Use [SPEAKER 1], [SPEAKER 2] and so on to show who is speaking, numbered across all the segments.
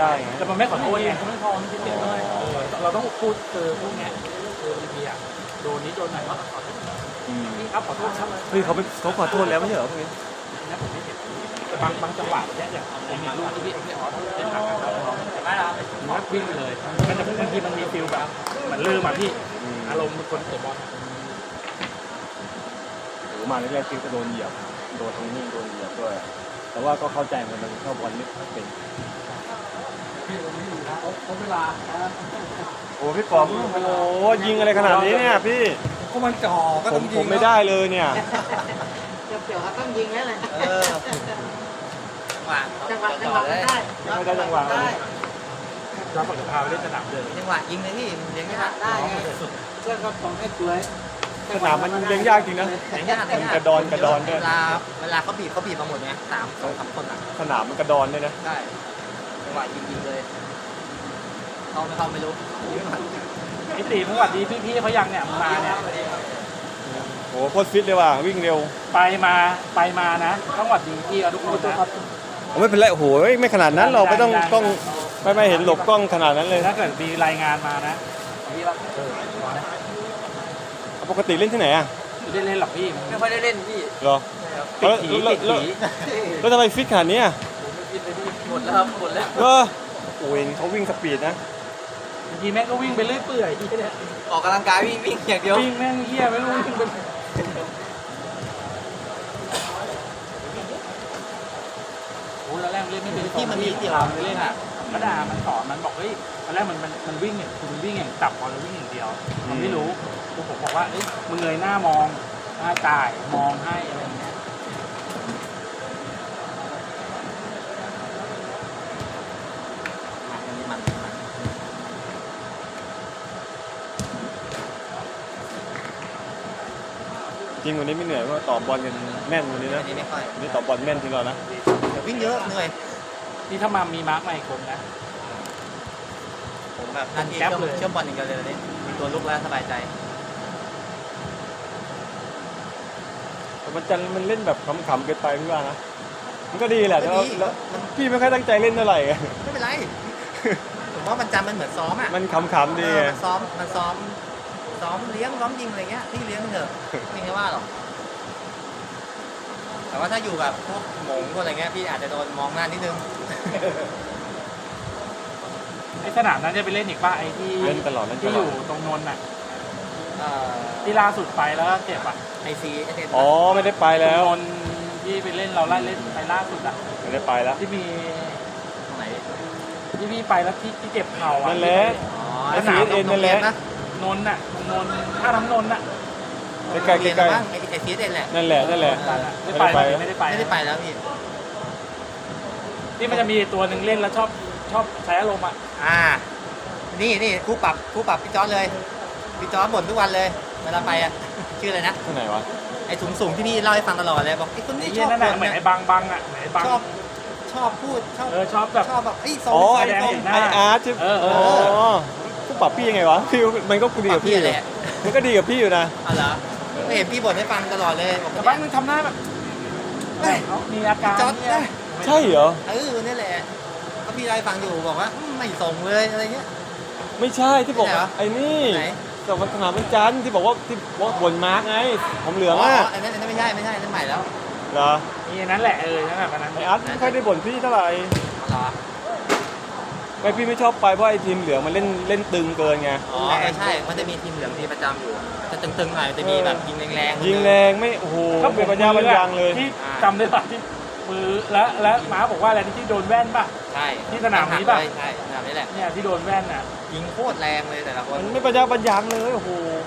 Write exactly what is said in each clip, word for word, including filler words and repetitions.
[SPEAKER 1] ได้ไง
[SPEAKER 2] แต่มันไม่ขอโทษไงเขาไม่พอไม่คิดเลยเราต้องพูดเจอพวกเนี้ยเจอพีอ่ะโดนนี้โดนไหนก็ขอโทษพี่ครับขอโทษครับ
[SPEAKER 1] เฮ้ยเขาเขาขอโทษแล้วไม่ใช่เหรอพวกนี้
[SPEAKER 2] นะผมไม่เห็นบางบางจังหวะเนี่ยอย่างผมเห็นลูกที่พี่พี่อ๋อเล่นหลังกันแล้วไม่ละมันวิ่งไปเลยมันจะบางทีมันมีฟิลแบบเหมือนลืมอ่ะพี่อารมณ์มันคนเตะบอล
[SPEAKER 1] โอ้มาแรกๆคิดจะโดนเหยียบโดนตรงนี้โดนเหยียบด้วยแต่ว่าก็เข้าใจมันมันเข้าบอลไม่เป็น
[SPEAKER 2] เขาเวลา
[SPEAKER 1] โอ้พี่ป๋อมโอ้ยิงอะไรขนาดนี้เนี่ยพี่
[SPEAKER 2] ก็มันจ่อก็
[SPEAKER 1] ผมผมไม่ได้เลยเนี่ย
[SPEAKER 3] เกี่ยวกับต้องยิงแล้วเลยจังหวะจังหวะได้
[SPEAKER 1] ไม่ได้จังหวะเลย
[SPEAKER 2] เราฝึกพาไปเล่นสนามเดิน
[SPEAKER 3] จังหวะยิงเลยพี่เลี้ยงยากได้เพื่อนก็ต้องให้สวย
[SPEAKER 1] สนามมันเลี้ยงยากจริงนะ
[SPEAKER 3] เลี้ยงยาก
[SPEAKER 1] มันกระดอนกระดอนด้วย
[SPEAKER 3] เวลาเวลาเขาบีบเขาบีบมาหมดไงสามสองสามคนอ่ะ
[SPEAKER 1] สนามมันกระดอนด้วยนะ
[SPEAKER 3] ใช่จังหวะยิงยิงเลยเข้าไม่เข้าไม่รู้
[SPEAKER 2] ไอ้ตีเมื่อวันนี้พี่ๆเขายังเนี่ยมาเนี่ย
[SPEAKER 1] โอ้โคตรฟิตเลยว่ะวิ่งเร็ว
[SPEAKER 2] ไปมาไปมานะต้องหวัดดีพี่ทุกคนนะครับ
[SPEAKER 1] ไม่เป็นไรโอ้โหไม่ขนาดนั้นเราไม่ต้องต้องไม่ไม่เห็นหลบกล้องขนาดนั้นเลย
[SPEAKER 2] ถ้าเกิดมีรายงานมานะพี่ว่าเอ
[SPEAKER 1] อปกติเล่นที่ไหนอ่ะ
[SPEAKER 2] ไม่ได้เล่นหรอกพี่
[SPEAKER 3] ไม่ค่อยได้เล่นพี่
[SPEAKER 1] เหรอ
[SPEAKER 2] ติดผีติดผี
[SPEAKER 1] แล้วทำไมฟิตขนาดนี้อ่ะ
[SPEAKER 3] หมดแล้วครับหมดแล้ว
[SPEAKER 1] เออโอ้ยเขาวิ่งสปีดนะ
[SPEAKER 2] ทีแม่งก็วิ่งไปเรื่อยเปื่อยที่เนี่ย
[SPEAKER 3] ออกกำลังกายวิ่งวิ่งอย่างเดียว
[SPEAKER 2] วิ่งแม่งเหี้ยไม่รู้วิ่งเป็นโอ้แล้วแรกเล่นไม่เป็น
[SPEAKER 3] ที่มันมีเดี่ยว
[SPEAKER 2] เล่นอ่ะกระดามันสอนมันบอกเฮ้ยตอนแรกมันมันมันวิ่งเนี่ยคือมันวิ่งอย่างจับบอลแล้ววิ่งอย่างเดียวมันไม่รู้คือผมบอกว่าเอ้ยมึงเงยหน้ามองหน้าจ่ายมองให้อะไรอย่างเงี้ย
[SPEAKER 1] จริงวันนี้ไม่เหนื่อยเพราะตอบบอลกันแม่นวันนี้นะ
[SPEAKER 3] นี่ไม่ค่อย
[SPEAKER 1] นี่ตอบบอลแม่นจริงเหรอนะ
[SPEAKER 3] เดี๋ยววิ่งเยอะเหนื่อย
[SPEAKER 2] นี่ถ้ามามีมาร์กใหม่คนนะ
[SPEAKER 3] ผมแบบนั่นเชื่อมเชื่อมบอลอย่างเดียวเลยนี่มีตัวลุกแล้วสบายใจ
[SPEAKER 1] แต่มันจันมันเล่นแบบขำๆเกินไปพี่ว่านะมันก็ดีแหละแต่ว่าพี่ไม่ค่อยตั้งใจเล่นเท่าไหร่
[SPEAKER 3] ไม่เป็นไรผมว่ามันจำมันเหมือนซ้อมอ่ะ
[SPEAKER 1] มันขำๆดี
[SPEAKER 3] มันซ้อมมันซ้อมซ้อมเลี้ยงซ้อมยิงอะไรเงี้ยพี่เลี้ยงเถอะไม่ใช่ว่าหรอกแต่ว่าถ้าอยู่แบบพวกหมงพวกอะไรเงี้ยพี่อาจจะโดนมองหน้านิดนึง
[SPEAKER 2] ไอ้สนามนั้นจะไปเล่นอีกป่ะไอ้ที่
[SPEAKER 1] เล่นตลอด
[SPEAKER 2] ที่อยู่ตรงนนท์น่ะที่ล่าสุดไปแล้วเจ็บอ่ะ
[SPEAKER 3] ไอซี
[SPEAKER 1] อ๋อไม่ได้ไปแล้ว
[SPEAKER 2] นนท์ที่ไปเล่นเราไล่เล่นไปล่าสุดอ่ะ
[SPEAKER 1] ไม่ได้ไปแล้ว
[SPEAKER 2] ที่มี
[SPEAKER 3] ตรงไหน
[SPEAKER 2] ที่พี่ไปแล้วที่ที่เจ็บเข่าอ่ะ
[SPEAKER 1] นั่นแหละไอซีเอ็นนั่นแหละ
[SPEAKER 2] นนท์น่ะนนท์ท่าน้ำนนท์น่ะ
[SPEAKER 1] ใกล้ใกล้
[SPEAKER 3] ไอซีเอ็นแหละ
[SPEAKER 1] นั่นแหละนั่นแหละ
[SPEAKER 2] ไม่ได้ไปไม่ได้ไป
[SPEAKER 3] ไม่ได้ไปแล้วพี่
[SPEAKER 2] ที่มันจะมีตัวหนึ่งเล่นแล้วชอบชอบใช้อารมณ์อ่ะ
[SPEAKER 3] อ่านี่นี่คู่ปรับคู่ปรับพี่จอร์จเลยพี่จอร์จบ่นทุกวันเลยเวลาไปอ่ะชื่ออะไรนะ
[SPEAKER 1] ที่ไหนวะ
[SPEAKER 3] ไอ้สูงสูงที่พี่เล่าให้ฟังตลอดเลยบอกไอ้คนนี้ชอบ
[SPEAKER 2] บ่นเหมือนไอ้บังบังอ่ะไอ้บัง
[SPEAKER 3] ชอบชอบพูดชอบ
[SPEAKER 2] เออชอบแบบ
[SPEAKER 3] ชอบแบบไอ้
[SPEAKER 1] ทรงไอ้ทรงไอ้อาร์ตเออเออคู่ปรับพี่ยังไงวะพี่มันก็ดีกับพี่เลยมันก็ดีกับพี่อยู่นะ
[SPEAKER 3] อ๋อเหรอไม่เห็นพี่บ่นให้ฟังตลอดเลย
[SPEAKER 2] แต่บ้างมึงทำหน้าแบบมีอาการ
[SPEAKER 1] ใช่เหรอ
[SPEAKER 3] เออนี่แหละก็พี่ได้ฟังอยู่บอกว่าไม่ส่งเลยอะไรเงี้ย
[SPEAKER 1] ไม่ใช่ที่บอกไอ้นี่แต่วันสนามวันจันทร์ที่บอกว่าที่ว่าบนมาร์กไงผมเหลืองอ่ะ
[SPEAKER 3] อันนั้นอันนั้นไม่ใช่ไม่ใช่นั่นใหม่แล้ว
[SPEAKER 1] เหรอ
[SPEAKER 2] นี่นั่นแหละเออนั่นแหละนั้น
[SPEAKER 1] ไอ้อาร์ตไม่ค่อยได้บ่นพี่เท่าไหร่
[SPEAKER 3] เหรอ
[SPEAKER 1] ไม่พี่ไม่ชอบไปเพราะไอ้ทีมเหลืองมันเล่นเล่นตึงเกินไง
[SPEAKER 3] อ๋อใช่มันจะมีทีมเหลืองที่ประจำอยู่จะตึงๆหน่อยจะมีแบบยิงแรง
[SPEAKER 1] ๆยิงแรงไม่โอ้โหเป็นปัญญาบรรยังเลย
[SPEAKER 2] ที่จำได้ป่ะที่มือและและม้าบอกว่าอะไรที่โดนแว่นป่ะ
[SPEAKER 3] ใช่
[SPEAKER 2] ที่สนามนี้ป่ะ
[SPEAKER 3] ใช่สนามนี้แหละ
[SPEAKER 2] เนี่ยที่โดนแว่นอ่ะ
[SPEAKER 3] ยิงโคตรแรงเลยแต่ละคน
[SPEAKER 1] มันไม่ปัญญาบรรยังเลยโอ้โห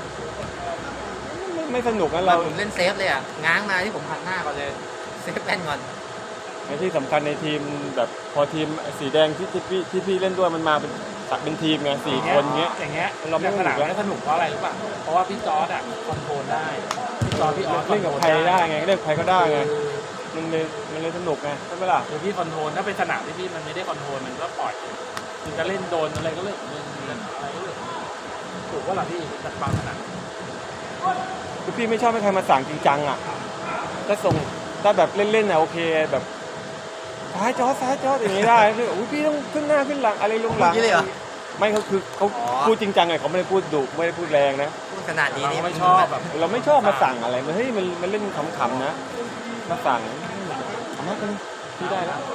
[SPEAKER 1] ไม่สนุกนะเรา
[SPEAKER 3] ผมเล่นเซฟเลยอ่ะง้างมาที่ผมหันหน้าก่อนเลยเซฟแว่นก่อน
[SPEAKER 1] ในที่สำคัญในทีมแบบพอทีมสีแดงที่ที่พี่ที่พี่เล่นด้วยมันมาเป็นสักเป็นทีมไงสี่คนเงี้ย
[SPEAKER 2] อย่างเงี้ยเราไม่สนุกแล้วสนุกเพราะอะไรรู้ป่ะเพราะว่าพี่จอร์ดอ่ะคอนโทรลได้พี่จอร์ดพี่ออส
[SPEAKER 1] เล่นกับใครได้ไงเล่นกับใครก็ได้ไงมันเลยมันเลยสนุกไงใช่ไหมล่ะ
[SPEAKER 2] คือพี่คอนโทรลถ้าเป็นสนามที่พี่มันไม่ได้คอนโทรลมันก็ปล่อยมันจะเล่นโดนอะไรก็เรื่องมึงอะไรก็เรื่องถูกว่าหรอพี่จัดบางสนาม
[SPEAKER 1] คือพี่ไม่ชอบให้ใครมาสั่งจริงจังอ่ะถ้าส่งถ้าแบบเล่นๆน่ะโอเคแบบซ้ายจอซ้ายจออย่างนี้ได้พี่อุ้ยพี่ต้องขึ้นหน้าขึ้นหลังอะไรลงหลัง
[SPEAKER 3] พูดอย่างนี้เลยเหรอ
[SPEAKER 1] ไม่เขาคือเขา
[SPEAKER 3] อ๋อ
[SPEAKER 1] พูดจริงจังไงเขาไม่ได้พูดดุไม่ได้พูดแรงนะ
[SPEAKER 3] พูดขนาดนี้
[SPEAKER 2] เรา
[SPEAKER 3] นี่
[SPEAKER 2] ไม่ชอบแบบ
[SPEAKER 1] เราไม่ชอบมาสั่งอะไรมันเฮ้ยมันมันเล่นขำๆนะมาสั่งเอามากันพี่ได้แล้ว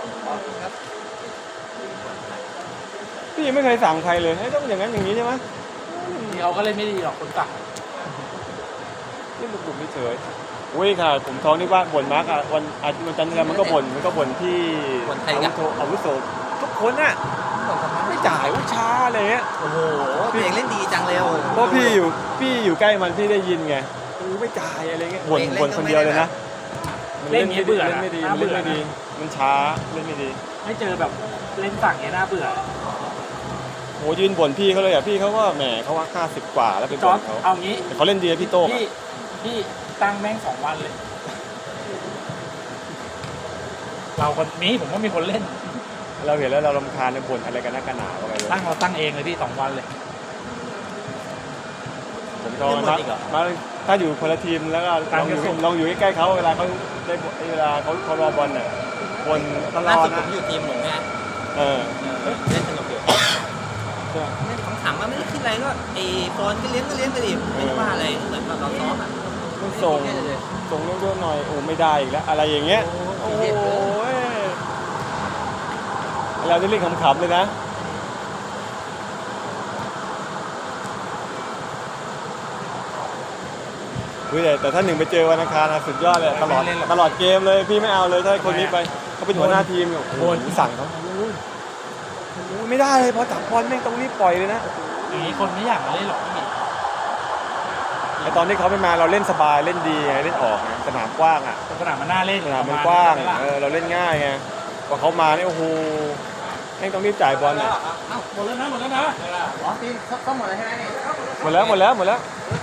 [SPEAKER 1] พี่ยังไม่เคยสั่งใครเลยให้ยต้องอย่างนั้นอย่างนี้ใช่ไหม
[SPEAKER 2] นี่เขาก็เล่นไม่ดีหรอกคนสั่ง
[SPEAKER 1] เล่นดุๆไม่เฉยอุ้ยค่ะผมท้องนี่ว่าบ่นมากอ่ะวันอาทิตย์วันจันทร์แล้วมันก็บ่นมันก็บ่นที่อาวุโสอาวุโสทุกคนน่ะไม่จ่ายว่าช้าอะไรเงี้ย
[SPEAKER 3] โอ้โหเพลงเล่นดีจังเลยโอ้โห
[SPEAKER 1] เพราะพี่อยู่พี่อยู่ใกล้มันพี่ได้ยินไงเออไม่จ่ายอะไรเงี้ยบ่นบ่นคนเดียวเลยนะ
[SPEAKER 2] เล่นอย่างนี้เบื่อ
[SPEAKER 1] เล่น
[SPEAKER 2] นะ
[SPEAKER 1] ไม่ดี
[SPEAKER 2] น่า
[SPEAKER 1] เล่
[SPEAKER 2] เบื่
[SPEAKER 1] น
[SPEAKER 2] อ
[SPEAKER 1] ไม่ดีมันช้าเล่นไม่ดี
[SPEAKER 2] ไม่เจอแบบเล่นสั่งเนี้ยน่าเบื่อ
[SPEAKER 1] โหยืนบ่นพี่เขาเลยอ่ะพี่เขาก็แหมเขาว่าห้าสิบกว่าแล้วไป
[SPEAKER 2] จ
[SPEAKER 1] บ่
[SPEAKER 2] อร์
[SPEAKER 1] น
[SPEAKER 2] ด
[SPEAKER 1] เขา
[SPEAKER 2] เอางี้
[SPEAKER 1] แต่เขาเล่นดีนะพี่โต้ง
[SPEAKER 2] พี่พี่ตั้งแม่งสองวันเลย เราคนนี้ผมว่ามีคนเล่น
[SPEAKER 1] เราเห็นแล้วเรารำคาญในบ่นอะไรกันนักกันหนาวอะไรเลย
[SPEAKER 2] ตั้งเราตั้งเองเลยพี่สองวันเลย
[SPEAKER 1] ผมชอบมันมากมาถ้าอยู่คนละทีมแล้วก็ลองอยู่ลองอยู่ใกล้ๆเขาเวลาเขาได้เวลาเขาเขารอบอลเนี่ยบ่นตล
[SPEAKER 3] ล่า
[SPEAKER 1] อ
[SPEAKER 3] สุ
[SPEAKER 1] ด
[SPEAKER 3] ดผ
[SPEAKER 1] นะ
[SPEAKER 3] มอยู่ทีมหนุ่มไง
[SPEAKER 1] เออ
[SPEAKER 3] เล่นสนุกอยู่เล่นขำๆมาไม่ได้คิดอะไรก็ไอ้โฟนก็เลี้ยงก็เลี้ยงไปดิไม่ได้ว่าอะไรเหมือนเราซ้อมอ่ะ
[SPEAKER 1] ต้องส่งส่งเร็วๆหน่อยโอ้ไม่ได้อีกแล้วอะไรอย่างเงี้ยโอ้ยเราได้เล่นขำๆเลยนะเฮ้ยแต่ถ้าหนึ่งไปเจอวันอังคารนะสุดยอดเลยตลอดตลอดเกมเลยพี่ไม่เอาเลยถ้าคนนี้ไปเขาเป็นหัวหน้าทีมโอ้โหสั่งเขาไม่ได้เลยพอจับบอลแม่งต้องรีบปล่อยเลยนะ
[SPEAKER 2] อย่างนี้คนไม่อยากมาเล่นหรอกพี่
[SPEAKER 1] ไอตอนที่เขาไม่มาเราเล่นสบายเล่นดีไงเล่นออกไงสนามกว้างอ่ะ
[SPEAKER 2] สนามมันน่าเล่น
[SPEAKER 1] สนามมันกว้างเออเราเล่นง่ายไงพอเขามาเนี่ยโอ้โหแม่งต้องรีบจ่ายบอลเนี่ย
[SPEAKER 2] เอ้าหมดแล้วนะหมดแล้วนะ
[SPEAKER 3] อ๋อทีมเข้าหมดเลยใช่ไหมนี่
[SPEAKER 1] หมดแล้วหมดแล้วหมดแล้ว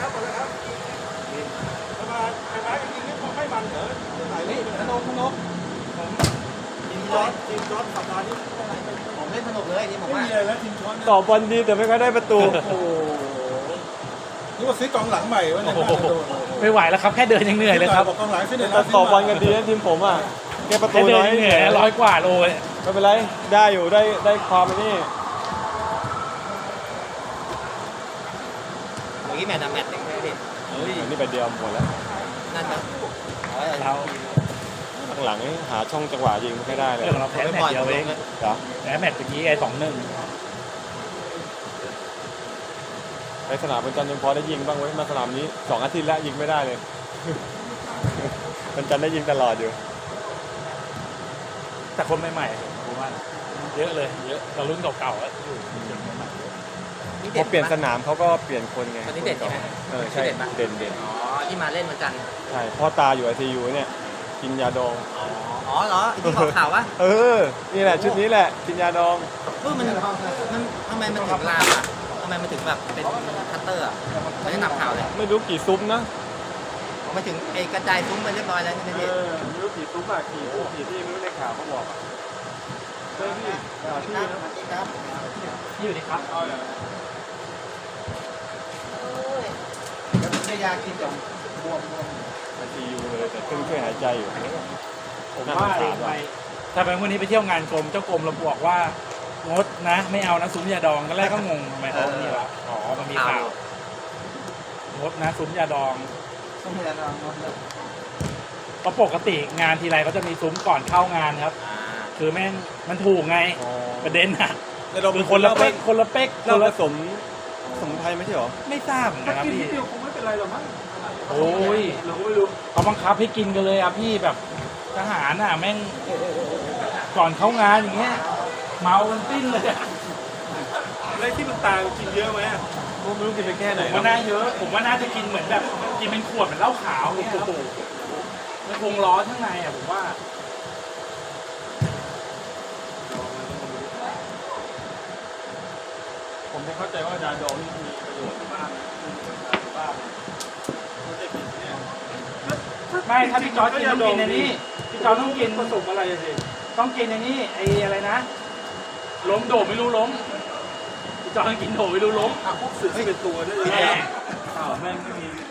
[SPEAKER 3] ทีมจอร์ดทีมจอร์ดสัปดาห์นี้ผมเล่นสนุกเลยทีมผมว่า
[SPEAKER 1] ต่อบอลดีแต่ไม่ค่อยได้ประตู
[SPEAKER 4] โอ้โหนึกว่าซื้อกองหลังใหม่วะเนี่ย
[SPEAKER 2] โอ้โหไม่ไหวแล้วครับแค่เดินยังเหนื่อยเลยครับ
[SPEAKER 4] บอกกองหลังซื้อเดี๋ยว
[SPEAKER 1] แต่ต่อบอลกันดีนะทีมผมอ่ะแกประตู
[SPEAKER 2] แค่เดิน
[SPEAKER 1] น้อย
[SPEAKER 2] ยังเหนื่อยร้อยกว่าโลเลย
[SPEAKER 1] ไม่เป็นไรได้อยู่ได้ได้ความอันนี่
[SPEAKER 3] เมื่อกี้แมตช์อะแมตช์เด็กเลยดิ
[SPEAKER 1] อันนี้ไปเดียวหมดแล้ว
[SPEAKER 3] นั่นนะเอาไว้
[SPEAKER 2] เรา
[SPEAKER 1] ข้างหลังนี่หาช่องจังหวะยิงไม่ค่อยได้เลย
[SPEAKER 2] เรื่องเราแพ้แมตช์เดียวเอง
[SPEAKER 1] เหรอ
[SPEAKER 2] แพ้แมตช์เมื่อกี้ไอ้สองหนึ่ง
[SPEAKER 1] ไปสนามบนจันทร์ยังพอได้ยิงบ้างเว้ยมาสนามนี้สองอาทิตย์แล้วยิงไม่ได้เลย บนจันทร์ได้ยิงตลอดอยู่
[SPEAKER 2] แต่คนใหม่ๆผมว่าเยอะเลยเยอะเรารุ่นเก่าๆแล้วอยู่เด็กใหม่
[SPEAKER 3] นี่
[SPEAKER 1] พ
[SPEAKER 3] เด็
[SPEAKER 1] อ
[SPEAKER 3] ด
[SPEAKER 1] เปลี่ยน
[SPEAKER 3] ปะ
[SPEAKER 1] สนามเขาก็เปลี่ยนคนไง
[SPEAKER 3] คนนี้เด็ดใช่ไหม
[SPEAKER 1] เออใช่
[SPEAKER 3] เด็ดปะ
[SPEAKER 1] เด่นเด่น
[SPEAKER 3] อ๋อที่มาเล่นวันจันทร์
[SPEAKER 1] ใช่พ่อตาอยู่ไอซียูเนี่ยกินยาดอง
[SPEAKER 3] อ๋ออ๋อเหรอไอ้ที่ออกข่าววะ
[SPEAKER 1] เออ นี่แหละชุดนี้แหละกินยาดอง
[SPEAKER 3] เออมันมันทำไมมันถึงลามอ่ะทำไมมันถึงแบบเป็นคัตเตอร์อ่ะไม่ได้นำข่าวเลย
[SPEAKER 1] ไม่รู้กี่ซุ้มนะ
[SPEAKER 3] ผมไปถึงไอ้กระจายซุ้มไปเรียบร้อยแล้วใช่ไหม
[SPEAKER 1] เอ
[SPEAKER 3] พี่
[SPEAKER 1] อไม่รู้กี่ซุ้มอะกี่ซุ้มกี่ที่ไม่รู้ในข่าวเขาบอกอะเฮ้ยพี่ข่าวที่นะ
[SPEAKER 2] ๆอยู่ดีครับ
[SPEAKER 3] ได้ยากินจมบวมบวม
[SPEAKER 1] ไอซียูเลยแต่เครื่องช่วยหายใจอยู่
[SPEAKER 2] ผม
[SPEAKER 1] น่า
[SPEAKER 2] ว่า
[SPEAKER 1] สงสาร
[SPEAKER 2] ไป
[SPEAKER 1] ว่ะ
[SPEAKER 2] ถ้าเป็นวันนี้ไปเที่ยวงานกรมเจ้ากรมเราบอกว่างดนะ ไม่เอานะซุ้มยาดองตอนแรกก็งงทำไมเขานี่วะอ๋อมันมีข่าวงดนะซุ้มยาดอง
[SPEAKER 3] ต้องพยายามลดเลย
[SPEAKER 2] เพราะปกติงานทีไรเขาจะมีซุ้มก่อนเข้างานครับ
[SPEAKER 3] อ่า
[SPEAKER 2] คือแม่งมันถูกไง
[SPEAKER 1] อ๋อ
[SPEAKER 2] ประเด็นอะ
[SPEAKER 4] แต่เรา
[SPEAKER 2] คือคนละเป๊กคนละเป๊กค
[SPEAKER 1] เรา
[SPEAKER 2] น
[SPEAKER 1] ผ
[SPEAKER 2] ละ
[SPEAKER 1] สมสมุนไพรไม่ใช่หรอ
[SPEAKER 2] ไม่ทราบเหมือนกันครับพี่
[SPEAKER 4] คงไม่เป็นไรหรอกมั้ง
[SPEAKER 2] โอ้ย
[SPEAKER 4] เราก็ไม่รู้
[SPEAKER 2] เขาบังคับให้กินกันเลยอ่ะพี่แบบทหารอ่ะแม่งก่อนเข้างานอย่างเงี้ยเมากันปิ้นเลยอะ
[SPEAKER 4] อะไรที่มันตายกินเยอะไหม
[SPEAKER 1] ผมไม่รู้กินไปแค่ไหน
[SPEAKER 2] ผมว่าน่าเยอะ ผมว่าน่าจะกินเหมือนแบบกินเป็นขวดเหมือนเหล้าขาวเนี่ยครับมันคงร้อนข้างในอ่ะผมว่า
[SPEAKER 1] ผมไม่เข้าใจว่ายาดองนี่มีประโยชน์มากบ้างไม่ได้ผิดเนี่ย
[SPEAKER 2] ไม่ถ้าพี่จอร์จกินต้องกินอันนี้พี่จอร์จต้องกิน
[SPEAKER 4] ผสมอะไรสิ
[SPEAKER 2] ต้องกินอันนี้ไอ้อะไรนะล้มโดดไม่รู้ล้มพี่จอร์จต้องกินโดดไม่รู้ล้ม
[SPEAKER 4] อ่ะพวกสื่อเป็นตัวด้วย
[SPEAKER 2] แม่
[SPEAKER 4] อ้าวแม่งไม่มี